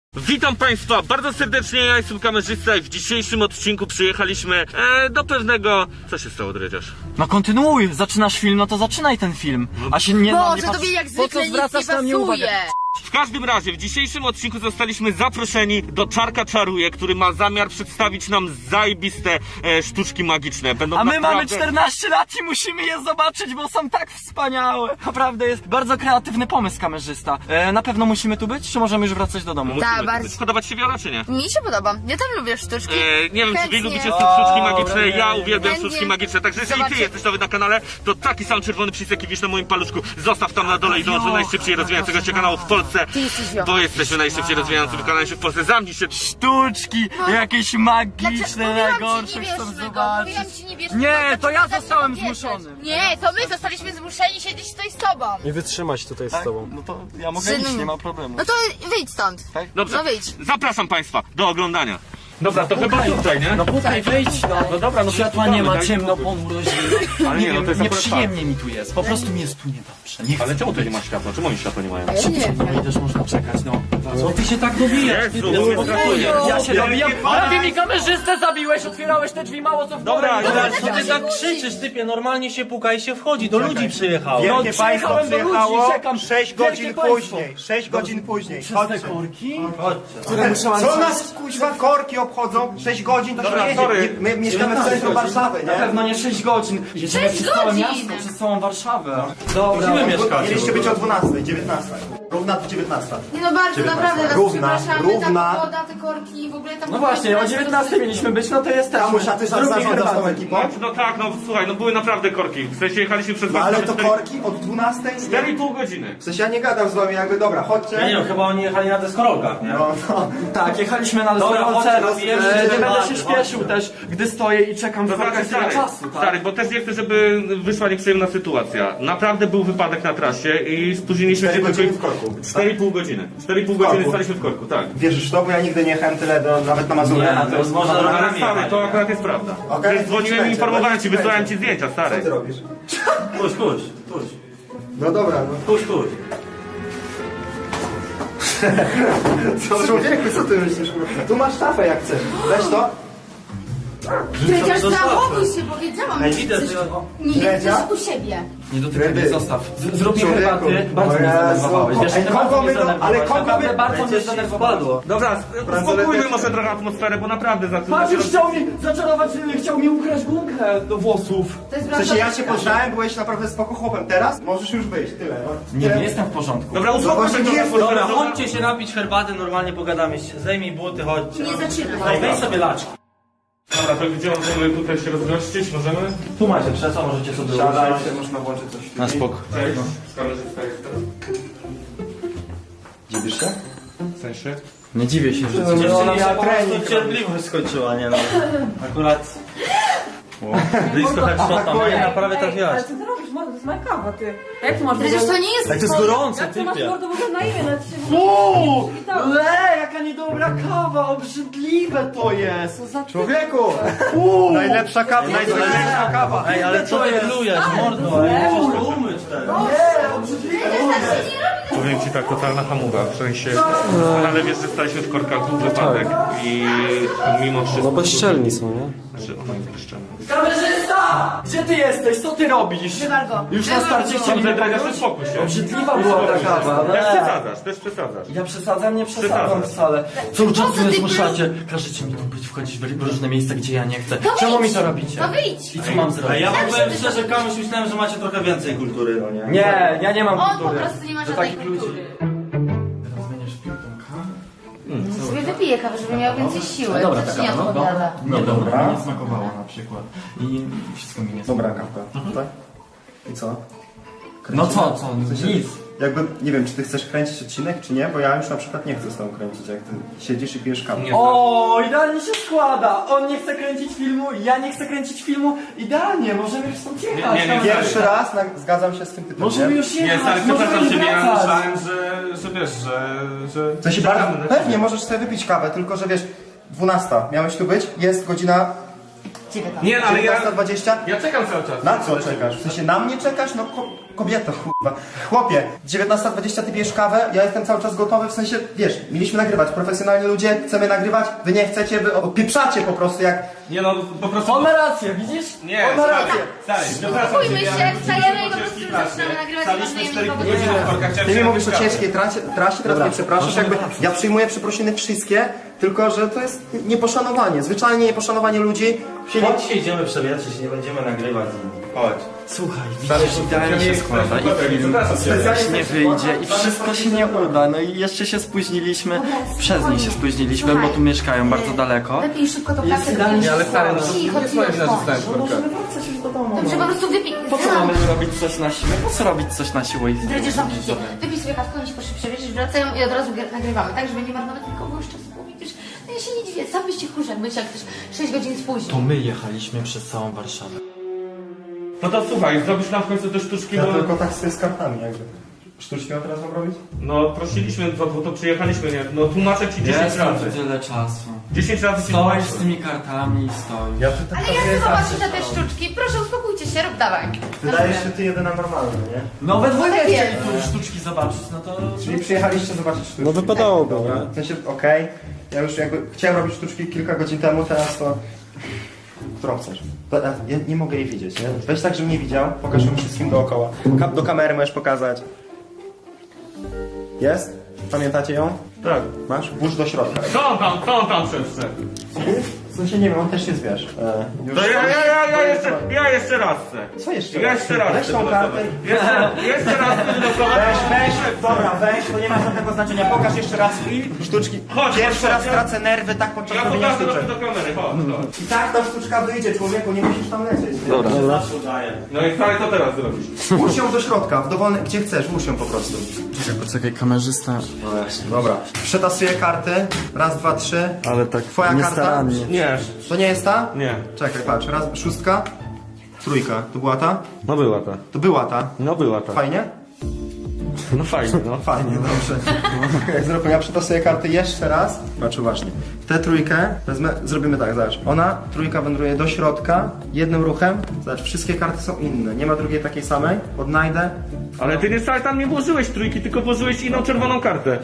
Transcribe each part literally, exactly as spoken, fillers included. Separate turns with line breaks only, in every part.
Witam Państwa bardzo serdecznie, ja jestem kamerzysta i w dzisiejszym odcinku przyjechaliśmy e, do pewnego... Co się stało, Dredziarz?
No kontynuuj, zaczynasz film, no to zaczynaj ten film. A się nie...
Boże,
nie patrz...
tobie jak
Po
zwykle
co
nic nie
zwracasz na mnie uwagę?
pasuje.
W każdym razie, w dzisiejszym odcinku zostaliśmy zaproszeni do Czarka Czaruje, który ma zamiar przedstawić nam zajebiste e, sztuczki magiczne. Będą
A my
naprawdę...
mamy czternaście lat i musimy je zobaczyć, bo są tak wspaniałe. Naprawdę jest bardzo kreatywny pomysł kamerzysta. E, na pewno musimy tu być, czy możemy już wracać do domu?
Musimy
Tak,
tu
bardzo.
być. Podobać się Wiola, czy nie?
Mi się podoba. Ja tam lubię sztuczki.
E, nie wiem, czy wy
Chętnie.
lubicie te sztuczki magiczne,
nie,
ja
nie,
uwielbiam
Chętnie.
sztuczki magiczne, także jeżeli ty
Zobaczcie.
jesteś nowy na kanale, to taki sam czerwony przycisk, jaki widzisz na moim paluszku, zostaw tam na dole i dąż do najszybciej rozwijającego się kanału w Polsce,
Ty jesteś Wiola.
bo jesteśmy najszybciej rozwijającym kanałem się w Polsce. Zamknij się.
Sztuczki, jakieś magiczne,
Dlaczego? Mówiłam ci,
najgorsze,
nie
chcę
bierzmy go,
zobaczyć.
mówiłam ci, nie bierzmy
Nie,
go,
to
dlaczego
ja
tak
zostałem
nie bierzesz?
zmuszony.
Nie, to my zostaliśmy zmuszeni siedzieć tutaj z tobą.
Nie wytrzymać tutaj z
Tak?
tobą.
No to ja mogę
Synu.
iść, nie ma problemu.
No to wyjdź stąd.
Tak?
Dobrze,
No wyjdź.
zapraszam Państwa do oglądania. Dobra, to chyba tutaj, nie?
No tutaj wejdź, no.
No dobra, no
Światła
to
nie ma,
daj
ciemno,
spokój.
ponuro, zimno.
Ale nie, no to jest akurat
Nieprzyjemnie mi tu jest, po prostu mi jest tu niedobrze. Nie chcę.
Ale czemu tu nie ma światła? Czemu oni światła nie mają?
Ja nie wiem.
No i też można czekać, no. Co ty się tak dobijasz?
Jezu, bo mnie brakuje.
Ja się dobijam, ale ty mi kamerzystę zabiłeś, otwierałeś te drzwi mało co w
Dobra,
porę.
dobra,
Co ty tak krzyczysz, typie? Normalnie się puka i się wchodzi. Do ludzi przyjechał.
No,
Wielkie państwo
przyjechałem do ludzi,
przyjechało
czekam.
sześć
Wielkie
godzin
państwo.
później. sześć godzin później.
Przez te
Chodźcie.
korki?
Które Co nas kuźwa korki obchodzą? sześć godzin to
Dobra,
się
sorry.
jedzie. Nie- My mieszkamy w centrum Warszawy,
Na
nie?
pewno nie sześć godzin. Jedziemy przez całe
godzin.
miasto, przez całą Warszawę.
Dobra,
Gdzie wy mieszkacie?
mieliście być o dwunastej, dziewiętnastej. Równa dziewiętnasta.
Nie no bardzo, naprawdę was
Równa,
przepraszamy,
równa.
ta pogoda, te korki, w ogóle tam...
No właśnie, o dziewiętnastej mieliśmy być, no to jesteśmy.
Kamuś, a ty
Zrób mi
zarządzasz tą
herbatę.
ekipą?
No, no tak, no słuchaj, no były naprawdę korki. W sensie jechaliśmy przez
No ale to
cztery-
korki od dwunastej?
cztery i pół godziny.
W sensie ja nie gadam z wami jakby, dobra,
Ja nie
chodźcie.
wiem, chyba oni jechali na deskorolkach, nie?
No, no.
Tak, jechaliśmy na
Dobra,
deskorolce,
chodźcie, napijemy się
e, nie
herbaty,
będę się śpieszył też, gdy stoję i czekam w
To znaczy,
korkach tyle
stary,
czasu, tak?
stary, bo też nie chcę, żeby wyszła nieprzyjemna sytuacja. Naprawdę był wypadek na trasie i spóźniliśmy się
cztery
tylko...
godziny w korku.
cztery i pół godziny. cztery i pół godziny
korku.
staliśmy w korku, tak.
Wierzysz w to, bo ja nigdy nie jechałem tyle do, nawet na Mazurę.
Nie,
a
to jest można
Ale
rowerami
stary,
jechać.
to akurat jest prawda.
Okej,
Przecież dzwoniłem i
będzie,
informowałem ci,
będzie.
wysłałem ci zdjęcia,
Co
stary.
ty robisz?
Puść, puść, puść.
No dobra, no.
Puść, puść.
Co człowieku, co ty myślisz? Tu masz szafę jak chcesz. Weź to.
Przecież zachowuj się, powiedziałam.
Ej,
że
Widzę,
chcesz-
że... o,
Nie
Dredzia?
jesteś u siebie.
Nie dotykaj
Ryby.
mnie, zostaw. Z- Zrób mi
Człowieku.
herbaty. Bardzo
O
mnie
Jezu.
zdenerwowałeś. Wiesz,
Ej,
ty
kogo
bardzo mnie
my- ale
zdenerwowałeś.
kogo
Naprawdę
my-
bardzo mnie
Będzie się
zdenerwowałeś.
wpadło.
Dobra, uspokójmy może trochę atmosferę, bo naprawdę za
Patrz, już chciał mi zaczarować, chciał mi ukraść gumkę do włosów.
To jest
W sensie ja cię
prawda.
poznałem, byłeś naprawdę spoko chłopem. Teraz możesz już wyjść, tyle. No.
Nie, nie jestem w porządku.
Dobra,
No
uspokójmy
właśnie
trochę
nie
atmosferę.
Dobra, chodźcie się napić herbaty, normalnie pogadamy się. Zdejmij buty, chodźcie.
Nie zaczynaj.
Ej, weź sobie laczki.
Dobra, to gdzie możemy tutaj się rozgościć? Możemy?
Tu macie krzesła, możecie sobie
Siadaj
usiąść.
się, można włączyć coś.
Na spoko.
Cześć. Kamerzysta jestem.
Dziwisz się?
W sensie?
Nie dziwię się, że
No,
Dziewczynie
ona
się
miała
po
trening
prostu cierpliwość skończyła, nie no. Akurat... Blisko headshota,
Atakuje.
nie? Prawie
Ale
trafiłaś.
co ty robisz, mordo? To jest moja kawa, ty. Jak ty masz
Przecież to nie jest...
Jak to jest gorące,
Jak ty masz
typie.
mordo w ogóle na imię? Nawet się w ogóle
Uuu,
nie witało.
le, jaka niedobra kawa, obrzydliwe to jest. Co za
Człowieku!
Uuu,
Najlepsza kawa, najlepsza kawa.
Ej, ale co ty plujesz, mordo? Ej, musisz to umyć teraz.
nie, obrzydliwe to jest.
Powiem ci tak, totalna hamuga, w sensie... Ale wiesz, że staliśmy w korkach, był wypadek i mimo wszystko...
No bezczelni są, nie?
Znaczy, ona jest bezczelna.
Kamerzysta! Gdzie ty jesteś? Co ty robisz?
Wywal go.
Już na starcie chcieli
Dobrze,
mnie
Dredziarz,
pokróć?
uspokój się.
Obrzydliwa była ta kawa.
Też
le.
przesadzasz, też przesadzasz.
Ja przesadzam, nie przesadzam
Przesadzasz.
wcale. Cały czas
co
mnie
ty
zmuszacie. Każecie mi tu być, wchodzić w różne miejsca, gdzie ja nie chcę.
To
Czemu
wyjdź.
mi to robicie?
To wyjdź.
I co mam
A
zrobić?
ja wam powiem szczerze, Kamuś, myślałem, że macie trochę więcej kultury, no nie?
Nie, ja nie mam
On po
kultury.
prostu nie ma
Do
żadnej
takich ludzi.
kultury.
Teraz zmieniasz piłkę kawę?
Sobie wypiję kawę, żeby miał więcej siły.
Dobra,
To ci
taka,
nie
no,
odpowiada.
Nie, dobra, nie smakowała na przykład. I wszystko mi nie
Dobra
smakowało.
kawka, tak? I co?
No co, co? Nic.
Jakby, nie wiem, czy ty chcesz kręcić odcinek, czy nie, bo ja już na przykład nie chcę z tobą kręcić, jak ty siedzisz i pijesz kawę.
Nie.
O, idealnie się składa. On nie chce kręcić filmu, ja nie chcę kręcić filmu. Idealnie, możemy już stąd jechać.
Nie, nie, nie.
Pierwszy raz na, zgadzam się z tym typem,
Możemy
nie?
już
Nie,
jechać,
stary,
możemy
przepraszam ciebie, ja
wracać.
myślałem, że, że wiesz, że... że...
To się bardzo, pewnie możesz sobie wypić kawę, tylko że wiesz, dwunasta, miałeś tu być, jest godzina
dziewiętnasta.
Nie, no, ale ja,
dziewiętnasta dwadzieścia?
ja czekam cały czas.
Na co czekasz? W sensie na mnie czekasz? No ko kobieto, kurwa. Chłopie, dziewiętnasta dwadzieścia ty pijesz kawę, ja jestem cały czas gotowy, w sensie, wiesz, mieliśmy nagrywać, profesjonalni ludzie, chcemy nagrywać, wy nie chcecie, wy opieprzacie po prostu jak...
Nie no, po prostu...
On ma rację, widzisz?
Nie,
On ma
stary,
rację.
stary, przepraszam
Spokójmy
cię,
się,
ja-
wstajemy i po prostu
ciężkiej pracy.
zaczynamy nagrywać i
Staliśmy
ważniejsze
cztery
niż
godziny
powodzenia.
na korkach, chciałem
Ty mi
się
mówisz o
napić
ciężkiej trasie, trasie teraz nie przepraszasz, jakby ja przyjmuję przeprosiny wszystkie, tylko że to jest nieposzanowanie, zwyczajnie nieposzanowanie ludzi. Chcieli...
Chodź się idziemy przewietrzyć, nie będziemy nagrywać z nimi. Chodź.
Słuchaj, widzisz, idealnie się składa i film
Specjalnie
nie wyjdzie i wszystko się nie uda. No i jeszcze się spóźniliśmy, przez nich się spóźniliśmy, bo tu mieszkają bardzo daleko.
Lepiej szybko to pracę
idealnie,
ale stary, no to
cicho,
nie jest moja wina, że stałem w korkach.
Możemy wracać już do domu.
Dobrze, po prostu wypij.
Po co mamy robić coś na siłę? Po co robić coś na siłę i
Zdradzisz zamknięcie. Wypij sobie kawkę, oni się poszli przewieźć, wracają i od razu gr- nagrywamy, tak, żeby nie marnować nikogo już czasu, bo widzisz, no ja się nie dziwię, sam byście chórze, jak bycie jak ktoś sześć godzin spóźnił.
To my jechaliśmy przez całą Warszawę.
No to słuchaj, zrobisz nam w końcu te sztuczki,
Ja
bo...
tylko tak sobie z kartami jakby. Sztuczki mam teraz mam robić?
No prosiliśmy, bo, bo to przyjechaliśmy, nie? No tłumaczę ci dziesięć
Jest
razy.
tyle czasu.
dziesięć razy ci
Stoisz z
tłumaczę.
tymi kartami i stoisz.
Ja tutaj
Ale ja chcę zobaczyć na te sztuczki, proszę uspokójcie się, rób dawaj.
Wydaje się ty jedyna normalna, nie?
No we dwójkę
tak
chcieli
jest.
tu sztuczki zobaczyć, no to...
Czyli przyjechaliście zobaczyć sztuczki.
No wypadałoby,
Dobra.
nie?
W sensie, okej, ja już jakby chciałem robić sztuczki kilka godzin temu, teraz to... Którą chcesz? To, ja ja nie mogę jej widzieć, nie? Weź tak, żebym nie widział, pokaż ją wszystkim dookoła. Kap do kamery możesz pokazać. Jest? Pamiętacie ją?
Tak.
Masz? Włóż do środka.
Co on tam, co on tam przeszedł?
W sensie nie wiem, on też jest, wiesz. E, już
To ja, ja, ja, ja, jeszcze, ja jeszcze raz chcę.
Co jeszcze
Ja
raz?
jeszcze raz
Weź
chcę
tą
wylosować.
kartę i...
Jeszcze, jeszcze raz chcę wylosować.
Weź, weź, dobra, weź, to nie ma żadnego znaczenia. Pokaż jeszcze raz sztuczki.
Chodź,
Pierwszy
chodź,
raz
ja-
tracę nerwy tak podczas
Ja
robienia
pokażę do,
sztuczek.
do kamery, chodź, chodź.
I tak ta sztuczka wyjdzie, człowieku, nie musisz tam lecieć.
Dobra.
Zawsze udaje.
No i stary, co teraz zrobisz?
Włóż ją do środka, w dowolny, gdzie chcesz, włóż ją po prostu.
Czekaj, poczekaj, kamerzysta.
Dobra. Przetasuję karty. Raz, dwa, trzy.
Ale tak
Twoja karta?
niestarannie.
Nie,
To nie jest ta?
nie.
Czekaj, patrz, raz, szóstka. Trójka. To była ta?
No była ta.
To była ta.
No była ta.
Fajnie?
No fajnie, no.
Fajnie, dobrze. Jak zrobię, ja przetasuję karty jeszcze raz. Patrz uważnie. Tę trójkę wezmę, zrobimy tak, zobacz. Ona, trójka wędruje do środka, jednym ruchem. Zobacz, wszystkie karty są inne. Nie ma drugiej takiej samej. Odnajdę.
Ale ty nie wcale tam nie włożyłeś trójki, tylko włożyłeś inną czerwoną kartę.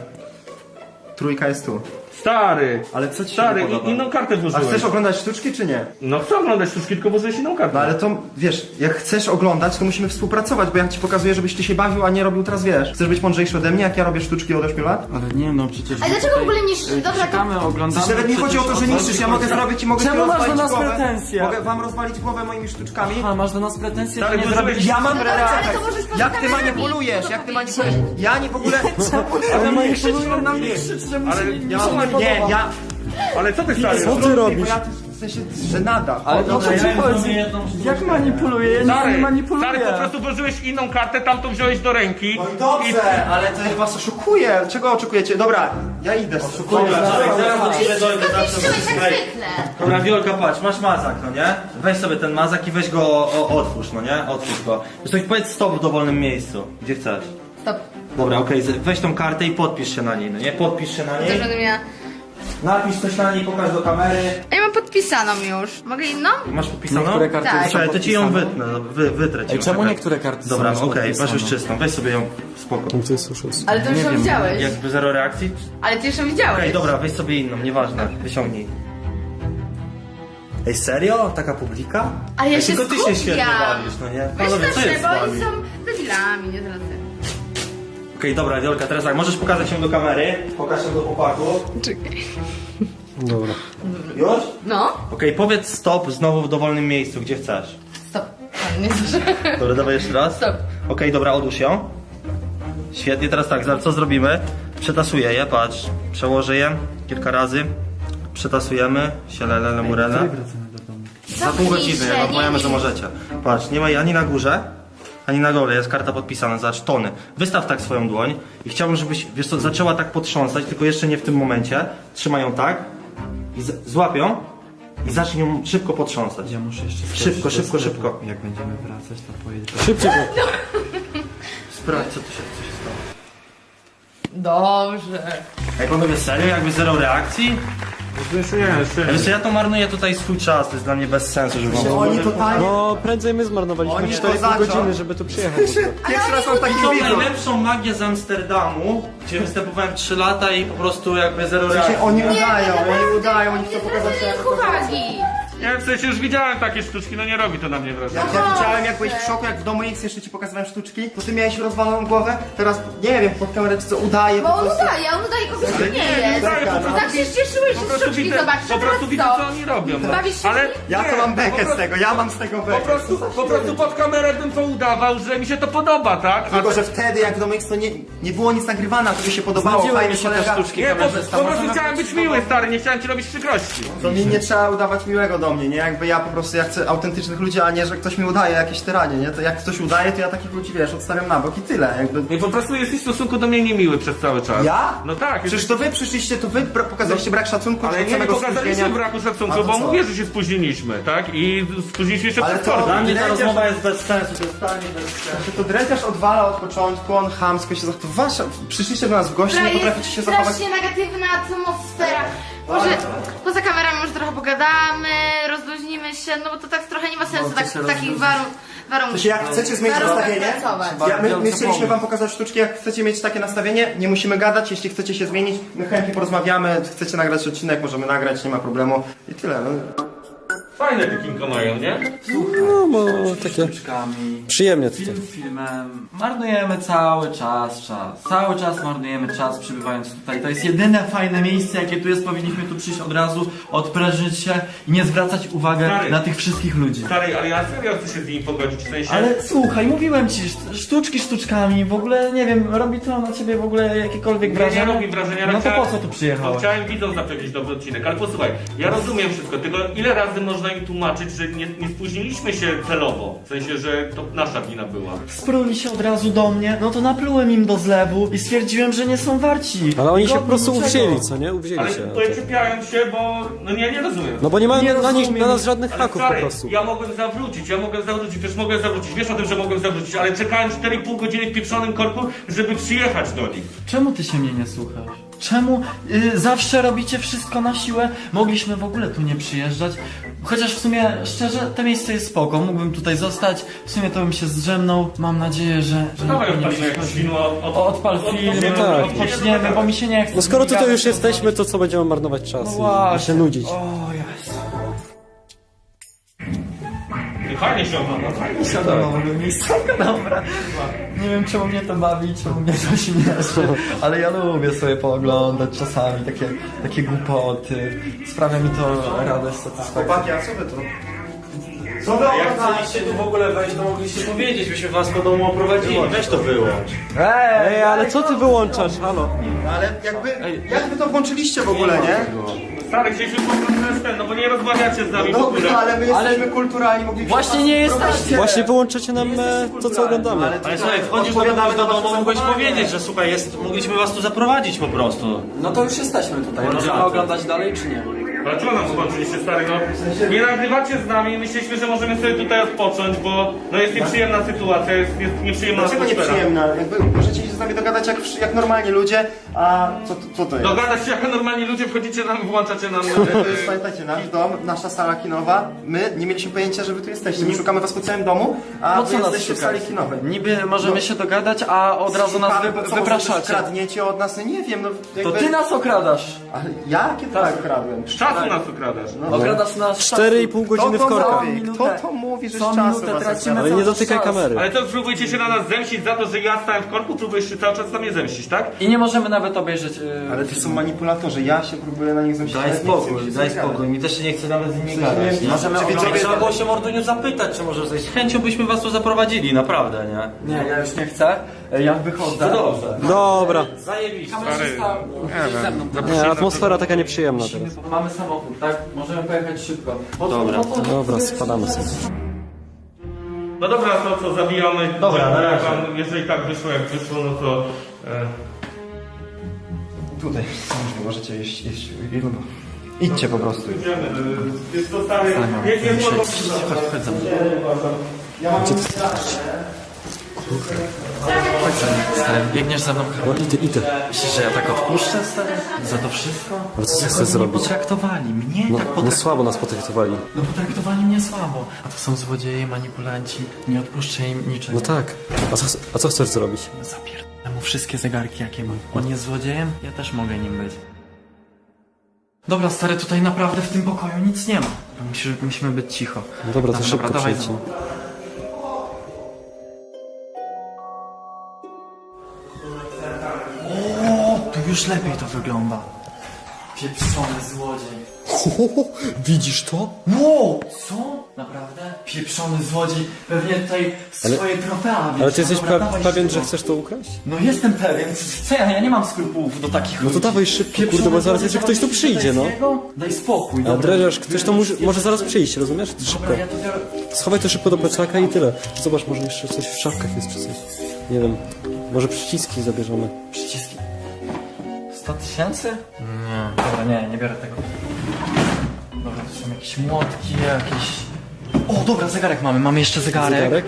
Trójka jest tu.
Stary.
Ale co ci się
Stary,
nie podoba?
i- inną kartę
A
włożyłeś.
chcesz oglądać sztuczki, czy nie?
No chcę oglądać sztuczki, tylko włożyłeś inną kartę.
No ale to, wiesz, jak chcesz oglądać, to musimy współpracować, bo ja ci pokazuję, żebyś ty się bawił, a nie robił teraz, wiesz. Chcesz być mądrzejszy ode mnie, jak ja robię sztuczki od ośmiu lat?
Ale nie no, przecież...
Ale dlaczego w ogóle niszczysz? Dobra, to-
Czekamy, oglądamy...
Przecież nawet nie chodzi o to, że
przecież
niszczysz, ja mogę zrobić i mogę
Czemu
ci
masz do
rozwalić
nas
głowę.
pretensje?
Mogę wam rozwalić głowę moimi sztuczkami.
A, masz do nas pretensje, że
Ale
nie
włożyłeś-
zrobiłeś...
Ja mam
No dobrze, ale to
reakcję.
możesz poza
Jak ty
kamerami
manipulujesz,
to
jak ty
powiedzieć.
manipulujesz? Ja nie w ogóle...
Ale moje krzyczą na mnie krzyczy, że mu
Ale
się
ja
nie,
Ja,
nie
nie, ja...
Ale co ty stary?
Co ty robisz?
Bo ja w sensie żenada.
Ale no co
ja
ci
bym
chodzi?
zrobił jedną sztuczkę.
Jak manipuluję? Ja nic nie
Stary,
manipuluję.
stary, po prostu włożyłeś inną kartę, tamtą wziąłeś do ręki.
No i dobrze, ale to ja was oszukuję. Czego oczekujecie? Dobra, ja idę. Oszukuję.
Dobra, czekaj, zaraz do ciebie dojdę,
To
zawsze
zniszczyłeś jak
Ej,
zwykle.
Dobra, Wiolka, patrz, masz mazak, no nie? Weź sobie ten mazak i weź go, o, otwórz, no nie? Otwórz go. Zresztą powiedz stop w dowolnym miejscu, gdzie chcesz.
Stop.
Dobra, okej, z- weź tą kartę i podpisz się na niej, no nie? Podpisz się na
To
niej,
będę miała...
napisz coś na niej, pokaż do kamery.
A ja mam podpisaną już. Mogę inną?
Masz podpisaną?
Niektóre karty
Tak.
są
Słuchaj, to ci ją
podpisane.
wytnę, no, wy, wytrę ci
Ej,
ją,
czemu
czekaj.
niektóre karty
Dobra,
są
okej,
już
weź już
podpisane?
czystą, weź sobie ją, spoko.
To jest już jest.
Ale ty już
Nie
ją
wiem,
widziałeś.
Jakby zero reakcji?
Ale ty już ją
Okej,
widziałeś.
dobra, weź sobie inną, nieważne, wyciągnij. Ej, serio? Taka publika?
Ale ja
Ej,
się
tylko ty się
skupiam.
świetnie bawisz, no nie?
Weź
Panowie, co
też,
jest z
bo
wami?
oni są debilami, nie drodzy.
Okej, dobra, Wiolka, teraz tak, możesz pokazać ją do kamery, pokaż ją do chłopaków.
Czekaj.
Dobra.
Już?
No.
Okej, powiedz stop znowu w dowolnym miejscu, gdzie chcesz.
Stop. A, nie słyszę.
Dobra, dawaj jeszcze raz.
Stop.
Okej, dobra, odłóż ją. Świetnie, teraz tak, zaraz co zrobimy? Przetasuję je, patrz. Przełożę je kilka razy. Przetasujemy. Sielele, murele. Za pół godziny, jak odpowiemy, że możecie. Patrz, nie ma jej ani na górze, ani na dole, jest karta podpisana, zobacz, tony. Wystaw tak swoją dłoń i chciałbym, żebyś, wiesz co, zaczęła tak potrząsać, tylko jeszcze nie w tym momencie. Trzymaj ją tak i z- złap ją i zacznij ją szybko potrząsać.
Ja muszę jeszcze skoczyć
Szybko,
do
szybko,
sklepu.
szybko.
Jak będziemy wracać, to pojedę.
Szybciej.
Sprawdź, co tu się, co się stało.
Dobrze.
Ej, panowie, serio? Jakby zero reakcji?
Jeszcze nie, jeszcze
Wiesz, ja to marnuję tutaj swój czas, to jest dla mnie bez sensu, żeby wam...
Oni totalnie...
No prędzej my zmarnowaliśmy
Oni
cztery i pół
kozaczą.
godziny, żeby tu przyjechać. w ogóle.
Pierwszy raz mam taki
Tą
widzów.
najlepszą magię z Amsterdamu, gdzie występowałem trzy lata i po prostu jakby zero reakcji.
Znaczy, oni udają, oni udają, oni chcą
Nie
pokazać
zwracaj
się...
ich uwagi.
Ja w sensie już widziałem takie sztuczki, no nie robi to na mnie wrażenia.
Jak ja widziałem, jak byłeś w szoku, jak w domu X jeszcze ci pokazywałem sztuczki, to ty miałeś rozwaloną głowę, teraz nie wiem, pod kamerę czy co udaje
Bo
po
on
prostu.
udaje, on udaje kogoś, kto nie
nie
jest.
udaje, po prostu-
Tak się cieszyłeś,
Po
że
prostu
sztuczki
widzę,
zobaczysz,
po prostu widzę, co oni robią. no.
Bawisz się
Ale
Ja
nie,
to mam
po
bekę z
prostu-
tego, ja mam z tego
Po
bekę.
prostu, po prostu pod kamerę bym to udawał, że mi się to podoba, tak? A
Tylko, że wtedy jak w domu X to nie, nie było nic nagrywane, a to by się podobało,
Znudziły
fajnie
mi się te
kolega.
sztuczki
nie, po,
kamerzysta.
po prostu
Możemy
chciałem być miły, stary, nie chciałem ci robić przykrości.
To mi nie trzeba udawać miłego do mnie, nie? Jakby ja po prostu, ja chcę autentycznych ludzi, a nie, że ktoś mi udaje jakieś tyranie, nie? To jak ktoś udaje, to ja takich ludzi, wiesz, odstawiam na bok i tyle, jakby...
I po prostu jesteś w stosunku do mnie niemiły przez cały czas.
Ja?
No tak.
Przecież
jesteś-
to wy przyszliście, to wy bra- pokazaliście brak szacunku,
Ale
od
nie, nie
samego
pokazaliśmy
spóźnienia.
braku
A
szacunku,
to
bo
co?
mówię, że się spóźniliśmy, tak? I spóźniliśmy się
Ale
przez
to-
kordę.
Dla mnie ta
Dredziarz-
rozmowa jest bez sensu, to jest totalnie bez sensu.
To dredziarz odwala od początku, on chamsko się zachowuje. Wasza, przyszliście do nas w gości, nie
Która
potraficie się
jest
zachować.
strasznie negatywna atmosfera. Może poza kamerami może trochę pogadamy, rozluźnimy się, no bo to tak trochę nie ma sensu tak, w takich warun warunków.
Znaczy, jak chcecie zmienić
warunkach
nastawienie,
pracować.
ja, my, my
Bardzo
chcieliśmy
pomysł.
wam pokazać sztuczki, jak chcecie mieć takie nastawienie, nie musimy gadać, jeśli chcecie się zmienić, my chętnie porozmawiamy, chcecie nagrać odcinek, możemy nagrać, nie ma problemu i tyle. No.
Fajne te kinko mają, nie?
No, bo takie
Sztuczkami.
przyjemnie tutaj.
Film filmem. Marnujemy cały czas czas. Cały czas marnujemy czas przybywając tutaj. To jest jedyne fajne miejsce, jakie tu jest. Powinniśmy tu przyjść od razu, odprężyć się i nie zwracać uwagi
Stary.
na tych wszystkich ludzi.
Stary, ale ja serio chcę się z nimi pogodzić, w sensie...
Ale słuchaj, mówiłem ci, szt- sztuczki sztuczkami, w ogóle nie wiem, robi to na ciebie w ogóle jakiekolwiek
Nie,
wrażenie?
nie robi wrażenia, ale
No to
chciałem-
po co tu
No,
przyjechałeś?
chciałem widzom zapewnić dobry odcinek, ale posłuchaj, ja rozumiem wszystko, tylko ile razy można im tłumaczyć, że nie, nie spóźniliśmy się celowo, w sensie, że to nasza wina była.
Spruli się od razu do mnie, no to naplułem im do zlewu i stwierdziłem, że nie są warci.
Ale oni się po
Godni
prostu
niczego.
uwzięli, co nie? Uwzięli
Ale
się.
tutaj czepiając się, bo no nie, nie rozumiem.
No bo nie mają
Nie
na, nich,
rozumiem.
na nas żadnych
Ale
haków po
stary,
prostu.
ja mogłem zawrócić, ja mogłem zawrócić, też mogłem zawrócić, wiesz o tym, że mogłem zawrócić, ale czekałem cztery i pół godziny w pieprzonym korku, żeby przyjechać do nich.
Czemu ty się mnie nie słuchasz? Czemu y, zawsze robicie wszystko na siłę? Mogliśmy w ogóle tu nie przyjeżdżać. Chociaż w sumie, szczerze, to miejsce jest spoko. Mógłbym tutaj zostać. W sumie to bym się zdrzemnął. Mam nadzieję, że, że
Dawaj
nikt nie
odpalimy jakieś
przychodzi.
film, od, od,
O, Odpal film,
od-
tak.
od-
odpoczniemy, bo mi się nie chce.
No skoro tutaj już
Gadać.
jesteśmy, to co będziemy marnować czas
No
i- i
właśnie.
się nudzić.
O Jezu.
Fajnie się ogląda, fajnie.
Siadam w ogóle miejscówka, dobra. Nie wiem czemu mnie to bawi, czemu mnie to śmieszy, ale ja lubię sobie pooglądać czasami takie, takie głupoty. Sprawia mi to radość, satysfakcję.
Chłopaki, a co wy tu? Co wy
Jak
oglądacie?
chcieliście tu w ogóle wejść, to mogliście powiedzieć, byśmy was po domu oprowadzili. Weź to wyłącz.
Ej, ale co ty wyłączasz? Halo?
Ale jakby, jak wy to włączyliście w ogóle, nie?
Stary, chcieliśmy po prostu ten, no bo nie rozmawiacie z nami w ogóle.
Dobra, ale my jesteśmy kulturalni, mogliśmy
Właśnie
was
nie
wprowadzić.
jesteście!
Właśnie wyłączacie nam e, to, co oglądamy.
Ale
Ale słuchaj, wchodzisz do kogoś do domu, mogłeś powiedzieć, że słuchaj, jest, mogliśmy was tu zaprowadzić po prostu.
No to już jesteśmy tutaj, możemy oglądać dalej czy nie?
Ale czemu nam zobaczyliście, stary, no? Nie nagrywacie z nami, myśleliśmy, że możemy sobie tutaj odpocząć, bo no jest nieprzyjemna sytuacja, jest, jest nieprzyjemna
Dlaczego
atmosfera.
nieprzyjemna? Jakby możecie się z nami dogadać jak, wszy- jak normalni ludzie, a co, co to jest?
Dogadać się jak normalni ludzie, wchodzicie nam, włączacie nam...
To jest, pamiętajcie, nasz dom, nasza sala kinowa. My nie mieliśmy pojęcia, że wy tu jesteście. My szukamy was po całym domu, a
Po
wy
co nas
jesteście w
szukacie?
sali kinowej.
Niby możemy się dogadać, a od razu nas
Szukamy,
wy,
bo co, może
wypraszacie.
coś kradniecie od nas? No nie wiem, no
To
jakby...
ty nas okradasz!
Ale ja? Kiedy tak. okradłem?
Czasu nas okradasz.
Okradasz nas
Cztery i pół godziny w
Kto to
korkach.
mówi? Kto to mówi, że z
Co
czasu
minutę
was
tracimy.
okrada?
Ale nie
cały
dotykaj
czas.
kamery.
Ale to próbujecie się na nas zemścić za to, że ja stałem w korku, próbujesz się cały czas na mnie zemścić, tak?
I nie możemy nawet obejrzeć... Yy,
Ale to są manipulatorzy, ja się próbuję na nich zemścić.
Daj
ale nie chcę mi
spokój,
się
daj
zagadać.
spokój. Mi też się nie chce nawet z nimi gadać. nie?
Możemy
Czy
oglądać-
Trzeba było się Morduniu zapytać, czy może zejść. Z chęcią byśmy was tu zaprowadzili, naprawdę, nie?
Nie, ja już nie chcę. Ja wychodzę.
No dobrze.
Dobra.
Zajebiście.
Kamerzysta, ze mną.
Nie, atmosfera taka nieprzyjemna teraz.
Mamy samochód, tak? Możemy pojechać szybko.
Dobra.
Dobra, spadamy sobie.
No dobra, to co, zabijamy.
Dobra, na razie.
Wam, jeżeli tak wyszło jak wyszło, no to... E,
Tutaj, możecie iść, iść. Idźcie po prostu.
idziemy. E, Jest to stary... Nie, nie było dobrze.
Chodź, chodź za mną.
Ja mam
Stary, biegniesz za mną.
No idę, idę.
Myślisz, że ja tak odpuszczę, stary? Za to wszystko?
Ale co ty
Jak
chcesz
oni
zrobić?
potraktowali mnie,
No,
tak
no
potraktowali.
słabo nas potraktowali.
No potraktowali mnie słabo. A to są złodzieje, manipulanci. Nie odpuszczę im niczego.
No tak. A co, a co chcesz zrobić?
Zapierdolę mu wszystkie zegarki, jakie mam. On jest złodziejem? Ja też mogę nim być. Dobra, stary, tutaj naprawdę w tym pokoju nic nie ma. Musimy, musimy być cicho.
No dobra, to
Dobra,
szybko
dawaj
przejdźcie.
za mną. O, tu już lepiej to wygląda. Pieprzony złodziej.
Widzisz to?
Wow, co? Naprawdę? Pieprzony złodziej. Pewnie tutaj
Ale-
swoje trofea.
Ale ty jesteś
Dobra,
pe
dawaj
pewien, że
szybko.
chcesz to ukraść?
No jestem pewien. Co ja? Ja nie mam skrupułów do takich
No to
ludzi.
dawaj szybko,
Pieprzony
kurde, bo zaraz
złodziej,
jeszcze ktoś tu
zobaczysz,
przyjdzie,
co
no.
to jest jego? Daj spokój.
A
dobra.
dredziarz, ktoś to może, może zaraz przyjść, rozumiesz? Szybko.
Dobra, ja to biorę.
Schowaj to szybko do plecaka i tyle. Zobacz, może jeszcze coś w szafkach jest czy coś. Nie wiem. Może przyciski zabierzemy.
Przyciski. sto tysięcy? Nie. Dobra, nie, nie biorę tego. Dobra, to są jakieś młotki, jakieś... O, dobra, zegarek mamy, mamy jeszcze zegarek.
Zegarek?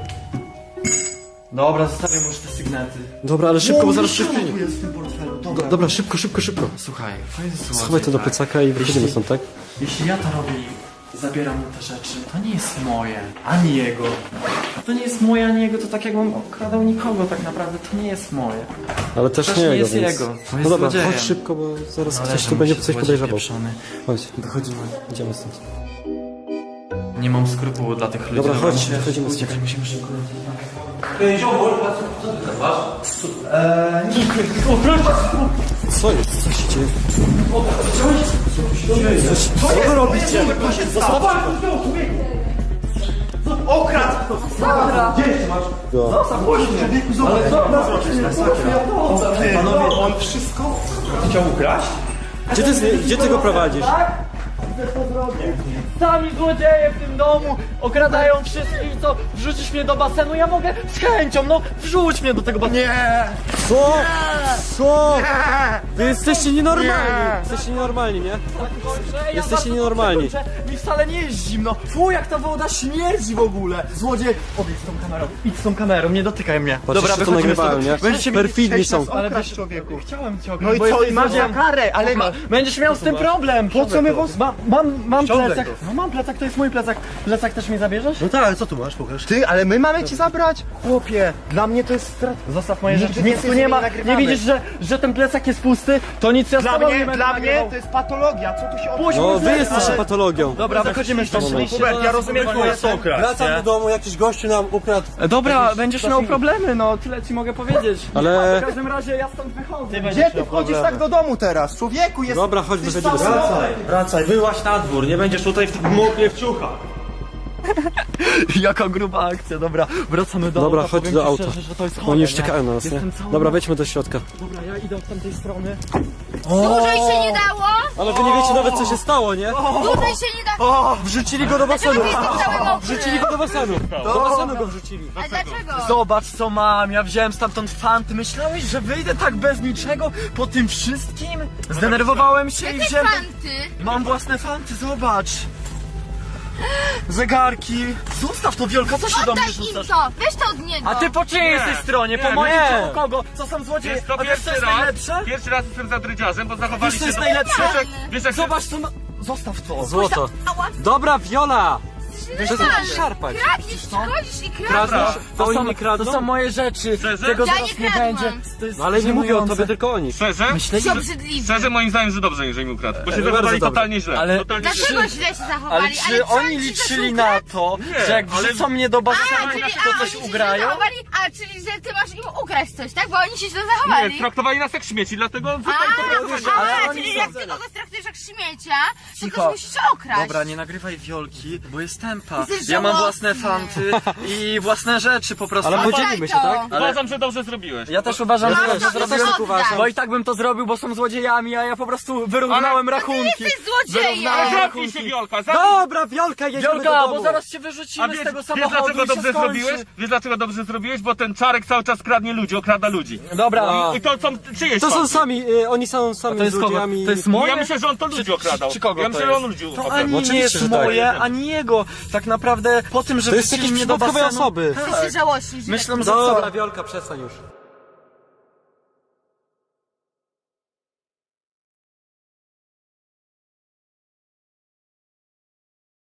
Dobra, zostawiam już te sygnety.
Dobra, ale szybko, bo zaraz
tu
przyjdzie.
jest w tym portfelu,
Do,
dobra.
dobra, szybko, szybko, szybko.
Słuchaj, to jest złodziej,
Schowaj to do
tak?
plecaka i wychodzimy
Jeśli-
stąd, tak?
Jeśli ja to robię i zabieram mu te rzeczy, to nie jest moje, ani jego. To nie jest moje, ani jego, to tak jakbym okradał nikogo tak naprawdę, to nie jest moje.
Ale też
Też
nie
nie
jego,
jest
więc...
jego, to
No
jest
dobra,
złodziejem.
chodź szybko, bo zaraz
No,
ktoś
leży
tu
mu
będzie
się
coś
złodziej
podejrzewał.
pieprzony.
Chodź, wychodzimy, idziemy stąd.
Nie mam skrupułu dla tych ludzi.
Dobra, chodź,
musimy
wychodzimy stąd.
uciekać, musimy szybko.
Co jest? Co się dzieje?
Panowie, on wszystko chciał ukraść?
Gdzie ty, gdzie ty go prowadzisz?
Sami złodzieje w tym domu okradają wszystkich, co wrzucisz mnie do basenu, ja mogę z chęcią, no wrzuć mnie do tego basenu. Nie!
Co? Co? Wy jesteście nienormalni. Jesteście nienormalni, nie? Jesteście nienormalni.
Mi wcale nie jest zimno. Fu, jak ta woda śmierdzi w ogóle. Złodziej, odejdź z tą kamerą, idź z tą kamerą, nie dotykaj mnie.
Patrz, jeszcze to
wychodzimy
nagrywają,
stąd.
nie?
Będziecie
Perfidni są.
Ale
Okraść,
wiesz,
człowieku.
chciałem cię
No i
bo
co?
jesteś
I masz za
złodziejem.
karę, ale ma...
Będziesz miał z tym problem. Po co my was... Ma, mam, mam
Ściągaj
plecak.
go.
No mam plecak, to jest mój plecak. Plecak też mi zabierzesz?
No tak, ale co tu masz? Pokaż. Ty, ale my mamy ci zabrać? Chłopie, dla mnie to jest strat...
Zostaw moje
Nigdy
rzeczy, nic
więcej
tu
z
nie
nimi
ma.
nagrywamy.
Nie widzisz, że, że ten plecak jest pusty? To nic ja z
Dla
tobą nie
mnie,
będę
dla mnie
nagrywał.
to jest patologia, co tu się
Puść
odbywa?
No, wy jesteście patologią.
Dobra, wychodzimy stąd.
Hubert, ja rozumiem twoje sokra.
Wracam do domu, jakiś gościu nam ukradł.
Dobra, będziesz miał problemy, no tyle ci mogę powiedzieć.
Ale-
W każdym razie ja stąd wychodzę.
Gdzie ty wchodzisz tak do domu teraz? Człowieku, jest...
Dobra, chodź, wychodzimy stąd.
Wracaj, wracaj, wyłaź na dwór, nie będziesz tutaj w moknie w ciuchach.
Jaka gruba akcja, dobra, wracamy do
Dobra,
auta.
chodź
Powiem
do
ci
auta.
szczerze, że to jest chore,
Oni już
nie?
czekają na nas, nie?
Jestem cały...
Dobra, wejdźmy do środka.
Dobra, ja idę od tamtej strony.
Dłużej się nie dało?
Ale wy nie wiecie nawet co się stało, nie?
Dłużej się nie dało.
Wrzucili go do basenu.
Dlaczego jestem cały mokry?
Wrzucili go do basenu. Do basenu go wrzucili.
A dlaczego?
Zobacz co mam, ja wziąłem stamtąd fanty. Myślałeś, że wyjdę tak bez niczego po tym wszystkim? Zdenerwowałem się i
Jakie
wziąłem...
fanty?
Mam własne fanty, zobacz. Zegarki. Zostaw to, Wiolka, co się do mnie
Oddaj im
rzucasz?
to, weź to od niego.
A ty po czyjej jesteś stronie? Po
nie,
mojej
nie.
czy po kogo? Co są złodzieje?
Jest to
A wiesz co
pierwszy
jest
raz,
najlepsze?
pierwszy raz jestem za drydziarzem, bo zachowali
Wiesz
się...
co jest
do-
najlepsze?
Wiesz, jak- Wiesz jak się...
Zobacz co ma... Zostaw to.
Złoto.
Ała,
Dobra, Viola!
Przestań.
szarpać.
Kradniesz, chodzisz i kradniesz.
Kradniesz?
To
Oni
są,
nie kradną?
to są moje rzeczy.
Szczerze?
Tego
Ja
zaraz
nie
nie
kradłam.
będzie. To jest
No ale nie mówię o
żenujące.
tobie, tylko o nich.
Szczerze?
Myślę,
To
że...
obrzydliwe.
Szczerze moim zdaniem, że dobrze, jeżeli mi ukradł. Bo się
bardzo
zachowali
dobrze.
totalnie źle.
Ale-
Totalnie źle.
Dlaczego źle się zachowali?
Ale czy
co,
oni
ci
liczyli
coś
na
ukradł?
to,
Nie,
że jak
ale-
wrzucą mnie do
A,
basenu,
czyli,
to
a,
coś
oni się źle
ugrają?
zachowali? A, czyli że ty masz im ukraść coś, tak? Bo oni się źle
Nie,
zachowali.
traktowali nas jak śmieci, dlatego...
A,
Ale
a,
oni
czyli
są-
jak ty kogoś traktujesz jak śmiecia, to
Cicho.
też musisz okraść.
Dobra, nie nagrywaj Wiolki, bo jest tempa.
Jesteś
Ja mam
żałosny.
własne fanty i własne rzeczy po prostu.
Ale
Oddaj
podzielimy się,
to.
tak?
Uważam, że dobrze zrobiłeś.
Ja też uważam,
Masz
że
to
dobrze
i
zrobiłem,
oddaj.
bo i tak bym to zrobił, bo są złodziejami, a ja po prostu wyrównałem rachunki.
jesteś złodziejem.
Wyrównałem
Zamknij się,
rachunki.
Wiolka, zamknij
Dobra, Wiolka, jedziemy do
Wiolka,
domu.
bo zaraz cię
A
wyrzucimy
wiesz,
z tego
wiesz
samochodu
dlaczego
i się
dobrze
skończy.
zrobiłeś? Wiesz dlaczego dobrze zrobiłeś? Bo ten Czarek cały czas kradnie ludzi, okrada ludzi.
Dobra,
No.
I to są czyjeś
To są
fanty.
sami, y, oni są sami
to jest kogo?
złodziejami.
To jest moje?
Ja myślę, że on to ludzi okradał.
Czy kogo
Ja
to
myślę, że on
jest?
ludzi
To
okradał.
ani nie
Oczywiście,
jest
że tak.
moje, ani jego. Tak naprawdę po tym, że
To jest
wrzucili
jakieś
mnie do
przypadkowe
basenu...
osoby.
Ty się żałościsz.
Myślę, że
Dobra,
co?
Wiolka, przestań już.